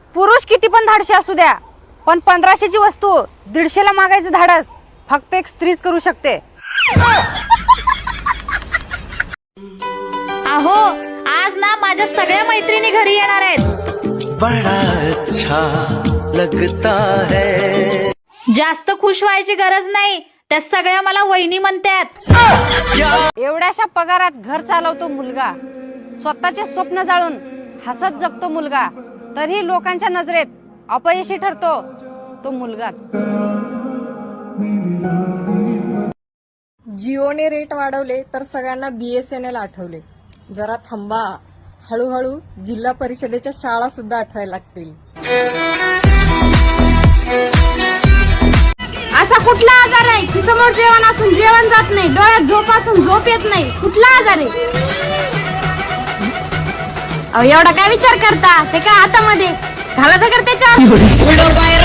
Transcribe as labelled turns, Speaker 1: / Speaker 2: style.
Speaker 1: पुरुष किती पण धाडशी असू द्या, पण 1500ची वस्तू 150ला मागायचं धाडस फक्त एक स्त्रीच करू शकते.
Speaker 2: अहो, आज ना माझ्या सगळ्या मैत्रिणी घरी येणार आहेत.
Speaker 3: बड़ा अच्छा लगता है.
Speaker 2: जास्त खुश व्हायची गरज नाही, त्या सगळ्या मला वहिनी म्हणतात.
Speaker 1: एवढ्याशा पगारात घर चालवतो मुलगा, स्वतःचे स्वप्न जाळून हसत जगतो मुलगा, तरीही लोकांच्या नजरेत अपयशी ठरतो तो मुलगाच.
Speaker 4: जिओने रेट वाढवले तर सगळ्यांना BSNL आठवले. जरा थांबा, हळूहळू जिल्हा परिषदेच्या शाळा सुद्धा आठवायला लागतील.
Speaker 5: असा कुठला आजार आहे की समोर जेवण असून जेवण जात नाही, डोळ्यात झोप असून झोप येत नाही? कुठला आजार आहे? अहो, एवढा काय विचार करता? ते काय हातामध्ये घाला तर त्याच्या